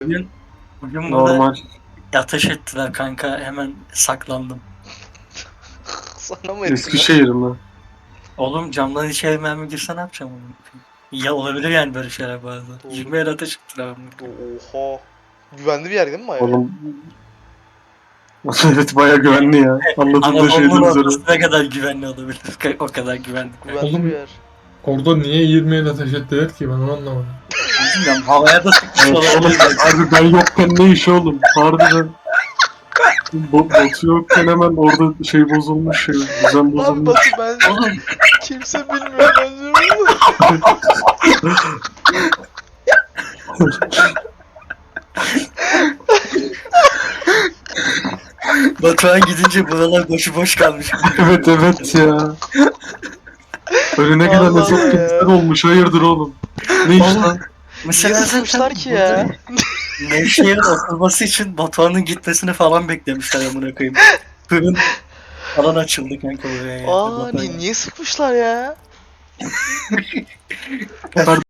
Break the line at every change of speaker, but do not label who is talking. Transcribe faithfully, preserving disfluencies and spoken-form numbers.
Bugün, bugün burada
Normal.
ateş ettiler kanka, hemen saklandım.
Sana mı ettiler?
Eskişehir mi?
Oğlum camdan içeri mermi girse ne yapacağım onu? Ya olabilir yani böyle şeyler bazen.
Doğru.
yirmi el ateş ettiler amına.
Oha. Güvenli bir yer değil mi bayağı?
Oğlum. Evet bayağı güvenli ya. Anladığım da
Anadolu'nun
şeyden üzere.
ortası ne kadar güvenli olabilir? O kadar güvenli.
Güvenli
Oğlum-
bir yer.
Orada niye yirmi el ateş ettiler ki ben onu anlamadım.
Bilmiyorum, havaya da sıkmış
Evet, oğlum
olabilir.
harbi ben yokken ne iş oğlum? Harbiden. Bo Batu yokken hemen orada şey bozulmuş ya. Düzen
Lan
bozulmuş.
Batu ben
Oğlum
kimse bilmiyor ben diyorum.
Batuhan gidince buralar boşu boş kalmış.
Evet evet ya. Önüne gelen
Allah
hesap
Allah
kimse
ya.
olmuş. Hayırdır oğlum? Ne iş
Oğlum,
lan?
Mesela
Niye sıkmışlar ki ya?
Nevşehir'in oturması için Batuhan'ın gitmesini falan beklemişler amına koyayım. Fırın falan açıldı kanka buraya ya.
Aa
Batuhan-
ni niye sıkmışlar ya?